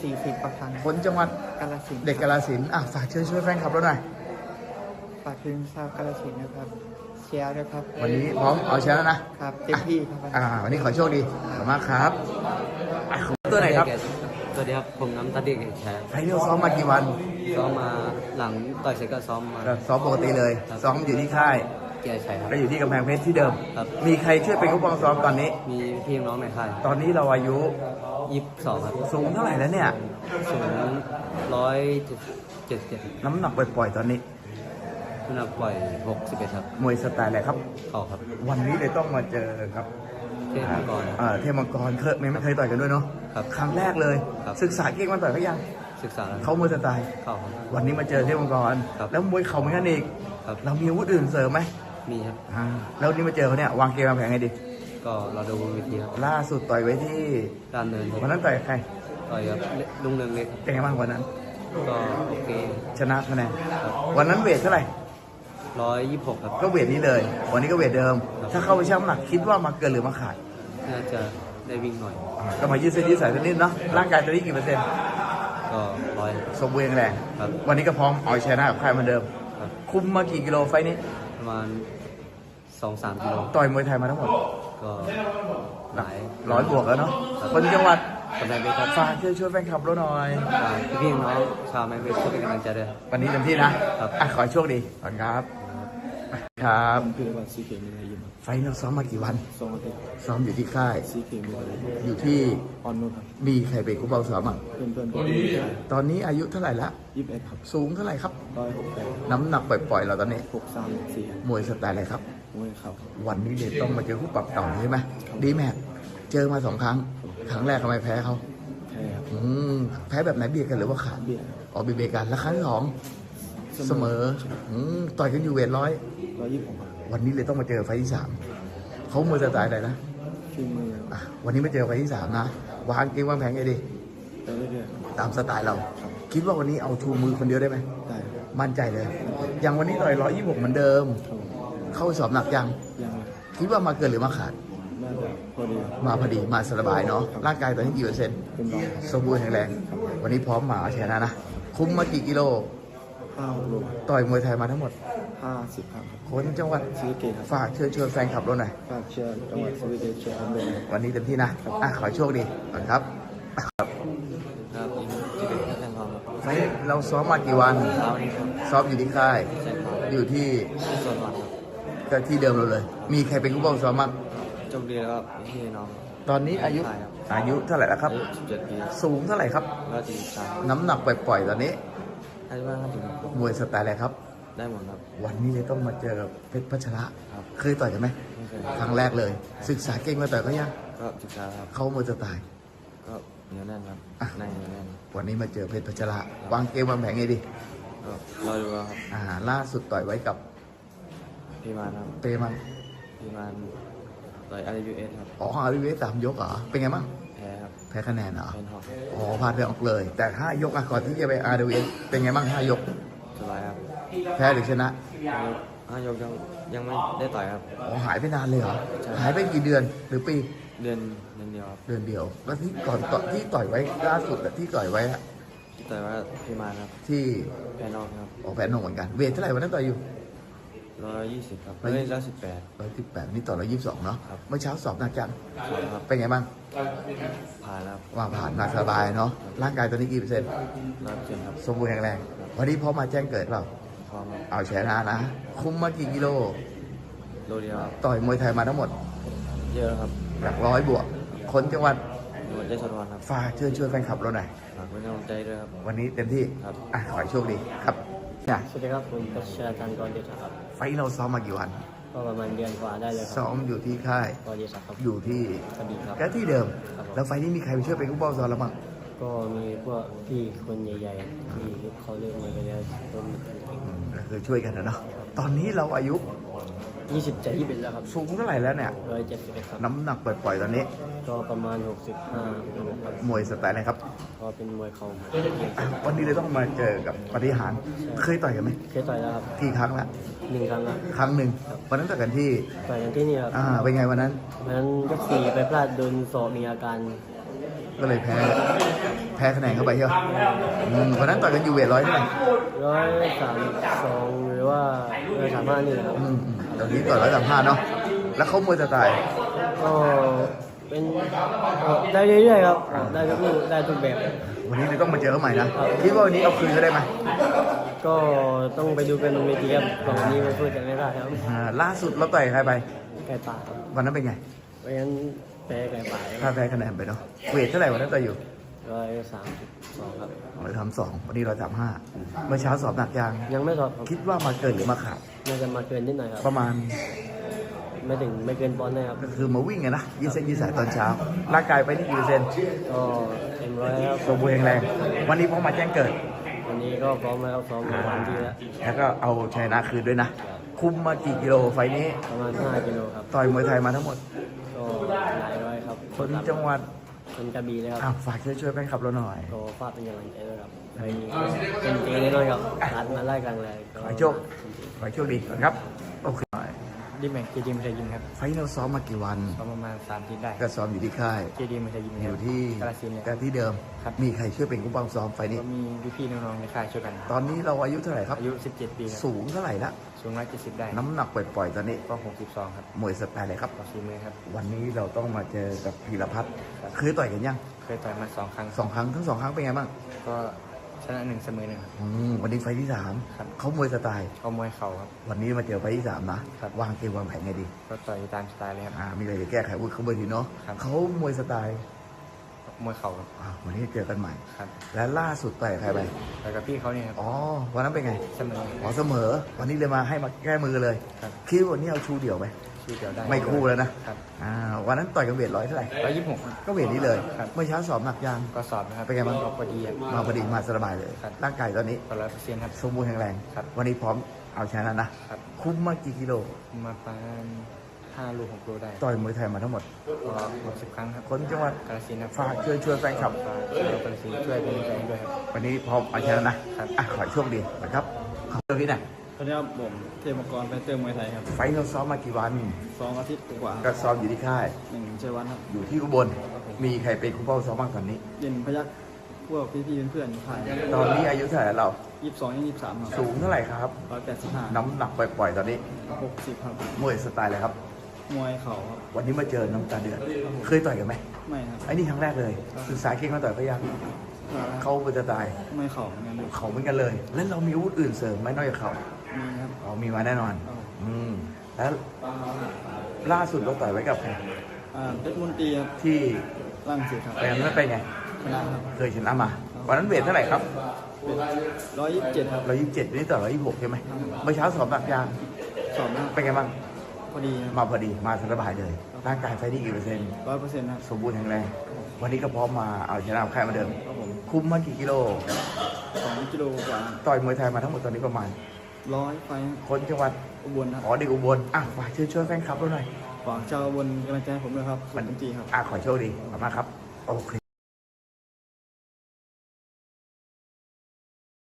Speaker 3: สี่สิบประพันธ์
Speaker 2: คนจังหวัด
Speaker 3: กาฬสินธุ์
Speaker 2: เด็กกาฬสินธุ์อ่ะฝากเชิญช่วยแฟนคลับเราหน่อย
Speaker 3: ฝากถึงชาวกาฬสินธุ์นะครับเชียร์ด้วยครับ
Speaker 2: วันนี้พร้อมเอาชนะนะครับ
Speaker 3: เต็มที่ครับ
Speaker 2: อ่าวันนี้ขอโชคดีขอบคุณมากครับอ่ะตัวไหนครับ
Speaker 4: สวัสดีครับผมน้ำตาเด็กแชร์
Speaker 2: ไฟนอลซ้อมมากี่วัน
Speaker 4: ซ้อมมาหลังต่อยเสร็จก็ซ้อมมา
Speaker 2: ก็ซ้อมปกติเลย
Speaker 4: ครับ
Speaker 2: ซ้อมอยู่ที่ค่าย
Speaker 4: เกียร์ชัยครับ
Speaker 2: ก็อยู่ที่กำแพงเพชรที่เดิม
Speaker 4: ครับ
Speaker 2: มีใครช่วยเป็นผู้ปกครองซ้อมตอนนี้
Speaker 4: มีพี่น้องในค่าย
Speaker 2: ตอนนี้เราอายุ
Speaker 4: ยี่สิบสองครับ
Speaker 2: สูงเท่าไหร่แล้วเนี่ย
Speaker 4: สูงร้อยเจ็ดเจ็ด
Speaker 2: น้ำหนักปล่อยๆตอนนี้
Speaker 4: น้ำหนักปล่อยหกสิบเอ็ดครับ
Speaker 2: มวยสไตล์อะไรครับ
Speaker 4: เข่าครับ
Speaker 2: วันนี้เลยต้องมาเจอครับ
Speaker 4: เทพมังกร
Speaker 2: อ่าเทพมังกรเคยไม่ไม่เคยต่อยกันด้วยเนาะ
Speaker 4: ครับ
Speaker 2: ครั้งแรกเลย
Speaker 4: ครับ
Speaker 2: ศึกษาเก่งมาต่อยเขายัง
Speaker 4: ศึกษาแล้ว
Speaker 2: เขามวยสไตล์
Speaker 4: เข่าครับ
Speaker 2: วันนี้มาเจอเทพมังกร
Speaker 4: ครับ
Speaker 2: แล้วมวยเข่าเหมือนกันอีก
Speaker 4: ครับ
Speaker 2: เรามีอาวุธอื่นเสริมไหม
Speaker 4: มีครับ
Speaker 2: อ่าแล้ววันนี้มาเจอเขาเนี่ยวางเกมวางแผนไงดี
Speaker 4: ก็เราดูบนเวทีครับ
Speaker 2: ล่าสุดต่อยไว้ที่
Speaker 4: การเดินครับ
Speaker 2: วันนั้นต่อยกับใคร
Speaker 4: ต่อยกับลุงเรืองเล็ก
Speaker 2: เป็นไงบ้างวันนั้น
Speaker 4: ก็โอเค
Speaker 2: ชนะคะแนนวันนั้นเวทเท่าไหร่
Speaker 4: ร้อยยี่สิบหกครับ
Speaker 2: ก็เวทนี้เลย วันนี้ก็เวทเดิม ถ้าเข้าไปชั่งน้ำหนักคิดว่ามาเกินหรือมาขาด
Speaker 4: น่าจะได้วิ่งหน่อย
Speaker 2: อ่าก็มายืดเส้นยืดสายสักนิดเนาะร่างกายตอนนี้กี่เปอร์เซ็นต์
Speaker 4: ก็ร้อย
Speaker 2: สมบูรณ์แข็งแรง
Speaker 4: ครับ
Speaker 2: วันนี้ก็พร้อมเอาชนะกับใครเหมือนเดิม
Speaker 4: ครับ
Speaker 2: คุมมากี่กิโลไฟต์นี้
Speaker 4: ประมาณสองสามกิโล
Speaker 2: ต่อยมวยไทยมาทั้งหมด
Speaker 4: ก็หลาย
Speaker 2: ร้อยบวกแล้วเนาะคนจังหวัด
Speaker 4: กำลังไปครับ
Speaker 2: ฝากช่วยช่วยแฟนคลับเราหน่อย
Speaker 4: ฝากพี่ๆน้องชาวแมนเวสก็เป็นกำลังใจด้วย
Speaker 2: วันนี้เต็มที่นะครับ อ่ะขอให้โชคดีขอบคุณครับ ครับ
Speaker 3: คือวันซีเกมีอะไรอยู่
Speaker 2: ไฟท์เราซ้อมมากี่วัน
Speaker 3: สองอาทิตย์
Speaker 2: ซ้อมอยู่ที่ค่าย
Speaker 3: ซีเกมีอะไร
Speaker 2: อยู่ที่
Speaker 3: ออนนุครับ
Speaker 2: มีใครเป็นคู่เบาซ้อมอ่ะ
Speaker 3: เพื่อนเพื่อนผม
Speaker 2: ตอนนี้อายุเท่าไหร่ละ
Speaker 3: ยี่สิบเอ็ดครับ
Speaker 2: สูงเท่าไหร่ครับ
Speaker 3: ร้อยหกแปด
Speaker 2: น้ำหนักปล่อยๆเราตอนนี้
Speaker 3: หกสามสี่
Speaker 2: มวยสไตล์อะไรครับ
Speaker 3: มวยเข่า
Speaker 2: วันนี้เด็ต้องมาเจอคู่ปรับเก่าใช่ไหมดีแม็กเจอมาสองครั้ง ครั้งแรกทำไมแพ้เขา
Speaker 3: แพ้ครับ
Speaker 2: อืมแพ้แบบไหนเบียดกันหรือว่าขาด
Speaker 3: เบียด
Speaker 2: อ๋อเบียดเบียดกันแล้วครั้งที่สองเสมออืมต่อยกันอยู่เวทร้อย
Speaker 3: ร้อยยี่สิบหกครับ
Speaker 2: วันนี้เลยต้องมาเจอไฟล์ที่สามเขามวยสไตล์อะไรนะ
Speaker 3: ชื่อมือ
Speaker 2: อ่ะวันนี้มาเจอไฟล์ที่สามนะวางเกมวางแผนไงดี
Speaker 3: ไปเรื่อย
Speaker 2: ตามสไตล์เรา คิดว่าวันนี้เอาชูมือคนเดียวได้ไหม
Speaker 3: ๆได้ครับ
Speaker 2: มั่นใจเลย อย่างวันนี้ต่อยร้อยยี่สิบหกเหมือนเดิม
Speaker 3: ครับผม
Speaker 2: เข้าไปสอบหนักยัง
Speaker 3: ยังเลย
Speaker 2: คิดว่ามาเกินหรือมาขาด
Speaker 3: น่าจะพอดี
Speaker 2: มาพอดีมาสบายเนาะร่างกายตอนนี้กี่เปอร์เซ็นต์
Speaker 3: เป็นร้อย
Speaker 2: สมบูรณ์แข็งแรง วันนี้พร้อมมาเอาชนะนะ คุมมากี่กิโล
Speaker 3: ห้าโล
Speaker 2: ต่อยมวยไทยมาทั้งหมด
Speaker 3: ห้าสิบครับ
Speaker 2: คนจังหวัด
Speaker 3: ซีเกครับ
Speaker 2: ฝากเชิญชวนแฟนคลับเราหน่อย
Speaker 3: ฝากเชียร์จังหวัดสวีเดนเชียร์อันเดน
Speaker 2: วันนี้เต็มที่นะอ่ะขอให้โชคดีก่อนครับ
Speaker 4: ครับยิงที่เป็นแค่แทนความครับ
Speaker 2: ไฟล์เราซ้อมมากี่วัน
Speaker 4: เช้านี้ครับ
Speaker 2: ซ้อมอยู่ที่ค่าย
Speaker 4: ใช่ครับ
Speaker 2: อยู่ที่
Speaker 4: ที่ส่วนวันครับ
Speaker 2: ก็ที่เดิมเราเลย มีใครเป็นผู้บังซ้อมบ้าง
Speaker 4: โชคดีแล้วก็พี่น้อง
Speaker 2: ตอนนี้อายุ
Speaker 4: ใช่ครับ
Speaker 2: อายุเท่าไหร่แล้วครับ
Speaker 4: อายุสิบเจ็ดปี
Speaker 2: สูงเท่าไหร่ครับ
Speaker 4: ก็จีสาม
Speaker 2: น้ำหนักปล่อยๆตอนนี้
Speaker 4: อายุมากครับถึง
Speaker 2: มวยสไตล์อะไรครับ
Speaker 4: ได้หมดครับ
Speaker 2: วันนี้เลยต้องมาเจอกับเพชรพัชระ
Speaker 4: ครับ
Speaker 2: เคยต่อยกันไหม
Speaker 4: ไม่เคย
Speaker 2: ครั้งแรกเลย ศึกษาเก่งมาต่อยเขายัง
Speaker 4: ก็ศึกษาครับ
Speaker 2: เขามวยสไตล์
Speaker 4: ก็เหนียวแน่นครับ
Speaker 2: อ่ะ
Speaker 4: ในเหนียวแน่น
Speaker 2: วันนี้มาเจอเพชรพัชระวางเกมวางแผนไงดี
Speaker 4: ก็รอดูครับ
Speaker 2: อ่าล่าสุดต่อยไว้กับ
Speaker 4: พี่มานครับ
Speaker 2: เปมัง
Speaker 4: พี่มานต่อยอาร์ยูเอสครับ
Speaker 2: อ๋ออาริเวสสามยกเหรอเป็นไงบ้าง
Speaker 4: แพ้ครับ
Speaker 2: แพ้คะแนนเหรอ
Speaker 4: เป็นหอก
Speaker 2: อ๋อพลาดไปออกเลย แต่ห้ายกอะก่อนที่จะไปอาร์ดีเอสเป็นไงบ้างห้ายก
Speaker 4: สบายครับ
Speaker 2: แพ้หรือชนะ
Speaker 4: ห้ายกยังยังไม่ได้ต่อยครับ
Speaker 2: อ๋อหายไปนานเลยเหรอ
Speaker 4: ใช่
Speaker 2: หายไปกี่เดือนหรือปี
Speaker 4: เดือนเดือนเดียวครับ
Speaker 2: เดือนเดียว แล้วที่ก่อนต่อที่ต่อยไว้ล่าสุดอะที่ต่อยไว้อะ
Speaker 4: แต่ว่าพี่มานครับ
Speaker 2: ที่
Speaker 4: แพ้นอกครับ
Speaker 2: ออกแผนหนงเหมือนกัน เวทเท่าไหร่วันนั้นต่อยอยู่
Speaker 4: ร้อยยี่สิบครับ
Speaker 2: ร้อยยี่
Speaker 4: เฮ้
Speaker 2: สิบ
Speaker 4: ยร้อยสิบแปด
Speaker 2: ร้อยสิบแปดนี่ต่อร้อยยี่สิบสองเนาะ
Speaker 4: ครับ
Speaker 2: เมื่อเช้าสอบหนักจัง
Speaker 4: ครับ
Speaker 2: เป็นไงบ้าง
Speaker 4: ผ่านแล้ว
Speaker 2: ว่าผ่านหนักสบายเนาะร่างกายตอนนี้กี่เปอร์เซ็นต์
Speaker 4: ร้อยเปอร์เซ็นต์ครับ
Speaker 2: สมบูรณ์แข็งแรง วันนี้พร้อมมาแจ้งเกิดเปล่า
Speaker 4: พร้อมครับ
Speaker 2: เอาชนะนะ คุมมากี่กิโล
Speaker 4: โลเดียวครับ
Speaker 2: ต่อยมวยไทยมาทั้งหมด
Speaker 4: เยอะแล้วครับ
Speaker 2: หลักร้อยบวก คนจังหวัด
Speaker 4: จังหวัดยะโสธรครับ
Speaker 2: ฝากเชิญชวนแฟนคลับเราหน่อย
Speaker 4: ฝากเป็นกำลังใจด้วยครับ
Speaker 2: วันนี้เต็มที่
Speaker 4: ครับ
Speaker 2: อ่ะขอให้โชคดีครับเนี่ย
Speaker 5: สวัสดีครับผมกัชชาจันทร์กรเดชครับ
Speaker 2: ไฟท์เราซ้อมมากี่วัน
Speaker 5: ก็ประมาณเดือนกว่าได้เลยค
Speaker 2: ซ้
Speaker 5: รั
Speaker 2: อบ มอยู่ที่ค่าย
Speaker 5: กรเดชครับ
Speaker 2: อยู่ที่
Speaker 5: กระบี่ครับ
Speaker 2: ก็ที่เดิม
Speaker 5: ครับผม
Speaker 2: แล้วไฟท์นี้มีใครไปช่วยเป็นผู้บอลซ้อมเราบ้าง
Speaker 5: ก็มีพวกพี่คนใหญ่ๆที่เขาเล่นมาไปแล้วก็มี
Speaker 2: อืมก็คือช่วยกันนะเนาะ ตอนนี้เราอายุ
Speaker 5: ยี่สิบเจ็ดยี่สิบแล้วครับ
Speaker 2: สูงเท่าไหร่แล้วเนี่ย
Speaker 5: ร้อยเจ็ดสิบเอ็ดครับ
Speaker 2: น้ำหนักปล่อยๆตอนนี้
Speaker 5: ก็ประมาณหกสิบห้าครับ
Speaker 2: มวยสไตล์อะไรครับ
Speaker 5: ก็เป็นมวยเขา
Speaker 2: อ่ะวันนี้เลยต้องมาเจอกับปฏิหารย์เคยต่อยกันไหม
Speaker 5: เคยต่อยแล้วครับ
Speaker 2: กี่ครั้งละ
Speaker 5: หนึ่งครั้งครับ
Speaker 2: ครั้งหนึ่งวันนั้นต่อยกันที่
Speaker 5: ต่อยกันที่นี่ครับ
Speaker 2: อ่าเป็นไงวันนั้น
Speaker 5: วันนั้นยกสี่ไปพลาดโดนศอกมีอาการ
Speaker 2: ก็เลยแพ้ แพ้คะแนนเข้าไปใช่ไหมอืมวันนั้นต่อยกันอยู่เวทร้อยเท่าไหร่
Speaker 5: ร้อยสามสองหรือว่าร้อยสามห้านี่ครับ
Speaker 2: อืมอืมตอนนี้ต่อยร้อยสามห้าเนาะ แล้วเขามวยสไตล์
Speaker 5: ก็เป็นได้เรื่อยๆครับได้ทุกลูกได้ทุกแบบ
Speaker 2: วันนี้เลยต้องมาเจอเขาใหม่นะ คิดว่าวันนี้เอาคืนเขาได้ไหม
Speaker 5: ก็ต้องไปดูกันบนเวทีครับตอนนี้ไม่พูดกันไม่ได้ครับ
Speaker 2: อ่าล่าสุดเราต่อยใครไป
Speaker 5: ไก่ป่าครับ
Speaker 2: วันนั้นเป็นไง
Speaker 5: เพราะฉะนั้นแพ้ไก่ป่า
Speaker 2: ถ้าแพ้คะแนนไปเนาะ เวทเท่าไหร่วันนั้นต่อยอยู่
Speaker 5: ร้อยสามสิบสองครับ
Speaker 2: เราทำสองวันนี้เราสามห้าเมื่อเช้าสอบหนักยัง
Speaker 5: ยังไม่สอบครับ
Speaker 2: คิดว่ามาเกินหรือมาขาด
Speaker 5: น่าจะมาเกินนิดหน่อยครับ
Speaker 2: ประมาณ
Speaker 5: ไม่ถึงไม่เกินปอนด์นะครับ
Speaker 2: ก็คือมาวิ่งไงนะยืดเส้นยืดสายตอนเช้า ร่างกายไปนี่กี่เปอร์เซ็นต์
Speaker 5: ก็เต็มร้อยครับ
Speaker 2: สมบูรณ์แข็งแรง วันนี้พอมาแจ้งเกิด
Speaker 5: วันนี้ก็พร้อมแล้วซ้อมมาวันที่แล้ว
Speaker 2: แล้วก็เอาชยนะคืนด้วยนะ คุมมากี่กิโลไฟล์นี้
Speaker 5: ประมาณห้ากิโลครับ
Speaker 2: ต่อยมวยไทยมาทั้งหมด
Speaker 5: ก็หลายร้อยครับ
Speaker 2: คนจังหวัด
Speaker 5: คนกระบี่เลยครับ
Speaker 2: อ่ะฝากช่วยช่วยแฟนคลับเราหน่อย
Speaker 5: ก็ฝากเป็นกำลังใจด้วยครับไปเป็นเจแน่นอนครับรัดมาไล่กลางเลย
Speaker 2: ขอให้โชค ขอให้โชคดีก่อนครับ โอเค
Speaker 3: ดิมแม็กเจดีมไทยยิมครับ
Speaker 2: ไฟล์เราซ้อมมากี่วัน
Speaker 3: ประมาณสามทีได้
Speaker 2: ก็ซ้อมอยู่ที่ค่าย
Speaker 3: เจดีมไทยยิม
Speaker 2: อยู่ที่
Speaker 3: กาลสินธุ์
Speaker 2: แต่ที่เดิม
Speaker 3: ครับ
Speaker 2: มีใครช่วยเป็นกู้บังซ้อมไฟล์นี้
Speaker 3: ก็มีพี่ๆน้องๆในค่ายช่วยกัน
Speaker 2: ตอนนี้เราอายุเท่าไหร่ครับ
Speaker 3: อายุสิบเจ็ดปีครับ
Speaker 2: สูงเท่าไหร่ละ
Speaker 3: สูงร้อยเจ็ดสิบได้
Speaker 2: น้ำหนักปล่อยๆตอนนี้
Speaker 3: ก็หกสิบสองครับ
Speaker 2: มวยสไตล์อะไรครับ
Speaker 3: ต่อฝีมือครับ
Speaker 2: วันนี้เราต้องมาเจอกับพีรพัฒน์
Speaker 3: ครับ
Speaker 2: เคยต่อยกันยัง
Speaker 3: เคยต่อยมาสองครั้ง
Speaker 2: สองครั้งทั้งสองครั้งเป็นไงบ้าง
Speaker 3: ก็ชนะหนึ่งเสมอหนึ่งครับ
Speaker 2: อืมวันนี้ไฟล์ที่สาม
Speaker 3: ครับ
Speaker 2: เขามวยสไตล์
Speaker 3: ก็มวยเข่าครับ
Speaker 2: วันนี้มาเจอไฟล์ที่สามนะครับ วางเกมวางแผนไงดี
Speaker 3: ก็ต่อยตามสไตล์เลยครับ
Speaker 2: อ่ามีอะไรจะแก้ไขวุฒิเขาเบอร์ทีเนาะ
Speaker 3: ครับ
Speaker 2: เขามวยสไตล์
Speaker 3: มวยเข่าครับ
Speaker 2: อ่าวันนี้เจอกันใหม่
Speaker 3: ครับ
Speaker 2: และล่าสุดต่อยกับใครไป
Speaker 3: ต่อยกับพี่เขาเนี่ยครับ
Speaker 2: อ๋อวันนั้นเป็นไง
Speaker 3: เสมอ
Speaker 2: อ๋อเสมอ วันนี้เลยมาให้มาแก้มือเลย
Speaker 3: ครับ
Speaker 2: คิดว่าวันนี้เอาชูเดี่ยวไหม
Speaker 3: ชื่อเดียวได้
Speaker 2: ไม่คู่แล้วนะครับ อ่าวันนั้นต่อยกับเวทร้อยเท่าไหร่
Speaker 3: ร้อยยี่สิบหก
Speaker 2: ก็เวทนี้เลย
Speaker 3: ครับ
Speaker 2: เมื่อเช้าสอบหนักยัง
Speaker 3: ก็สอบนะครับ
Speaker 2: เป็นไงบ้าง
Speaker 3: ก็พอดีครับ
Speaker 2: มาพอดีมาสบายเลย
Speaker 3: ครับ
Speaker 2: ร่างกายตอนนี้
Speaker 3: ก็ร้อยเปอร์เซ็นต์ครับ
Speaker 2: สมบูรณ์แข็งแรง
Speaker 3: ครับ
Speaker 2: วันนี้พร้อมเอาชนะนะ
Speaker 3: ครับ
Speaker 2: คุ้มมากี่กิโล
Speaker 3: มาประมาณห้าลูกหกลูกได้
Speaker 2: ต่อยมวยไทยมาทั้งหมด
Speaker 3: ก็หกสิบครั้งครับ
Speaker 2: คนจังหวัด
Speaker 3: กาฬสินธุ์ครับ
Speaker 2: ฝากช่วยช่วยแฟนคลับ
Speaker 3: ฝากช่วยกาฬสินธุ์ช่วยเป็นกำลังใจให้ด้วยครับ
Speaker 2: วันนี้พร้อมเอาชนะนะครับ อ่ะขอให้โชคดีนะครับขอบคุณพี่นะ
Speaker 6: สวัสดีครับผมเทพมังกรไฟเตอร์มวยไทยครับ
Speaker 2: ไฟท์เราซ้อมมากี่วัน
Speaker 6: สองอาทิตย์กว่า
Speaker 2: ก็ซ้อมอยู่ที่ค่าย
Speaker 6: หนึ่งชัยวันครับ
Speaker 2: อยู่ที่อุบล มีใครเป็นคุณพ่อซ้อมบ้างตอนนี้
Speaker 6: เย็นพยักพวกพี่ๆเพื่อนๆผ่าน
Speaker 2: ตอนนี้อายุเท่าไหร่แล้วเรา
Speaker 6: ยี่สิบสองยี่สิบสามครับ
Speaker 2: สูงเท่าไหร่ครับ
Speaker 6: ร้อยแปดสิบห้า
Speaker 2: น้ำหนักปล่อยๆตอนนี้
Speaker 6: หกสิบครับ
Speaker 2: มวยสไตล์อะไรครับ
Speaker 6: มวยเข่าครับ
Speaker 2: วันนี้มาเจอน้ำตาเดือด เคยต่อยกันไหม
Speaker 6: ไม่ครับ
Speaker 2: ไอ้นี่ครั้งแรกเลยศึกษาเก่งมาต่อยพยักเขาเป็นสไตล์
Speaker 6: ไม่เข่าเหมือนกัน
Speaker 2: เขาเหมือนกันเลย แล้วเรามีอาวุธอื่นเสริมไหมนอกจากเขา
Speaker 6: มีครับ
Speaker 2: อ๋อมีมาแน่นอน อืม แล้วล่าสุดเราต่อยไว้กับใคร
Speaker 6: อ่าเพชรมนตรีครับ
Speaker 2: ที่
Speaker 6: ร่างเสียครับ
Speaker 2: แปลงนั้นเป็นไง
Speaker 6: ชนะครับ
Speaker 2: เคยชนะมา วันนั้นเวทเท่าไหร่ครับ
Speaker 6: ร้อยยี่สิบเจ็ดครับ
Speaker 2: ร้อยยี่สิบเจ็ดนี่ต่อร้อยยี่สิบหกใช่ไหมเมื่อเช้าสอบหนักยาง
Speaker 6: สอบนะครับ
Speaker 2: เป็นไงบ้าง
Speaker 6: พอดีครับ
Speaker 2: มาพอดี มาสบายเลย ร่างกายไฟที่กี่เปอร์เซ็นต์
Speaker 6: ร้อยเปอร์เซ็นต์ครับ
Speaker 2: สมบูรณ์แข็งแรง วันนี้ก็พร้อมมาเอาชนะค่ายมาเดิม
Speaker 6: ครับผม
Speaker 2: คุ้มมากี่กิโล
Speaker 6: สองกิโลกว่า
Speaker 2: ต่อยมวยไทยมาทั้งหมดตอนนี้ประมาณ
Speaker 6: ร้อยไฟ
Speaker 2: คนจังหวัด
Speaker 6: อุบลครับ
Speaker 2: อ๋อเด็กอุบลอ่ะฝากช่วยช่วยแฟนคลับเราหน่อย
Speaker 6: ฝากชาวอุบลกำลังใจให้ผมด้วยครับสุดจริงๆครับ
Speaker 2: อ่ะขอโชคดีขอบคุณมากครับ โอเค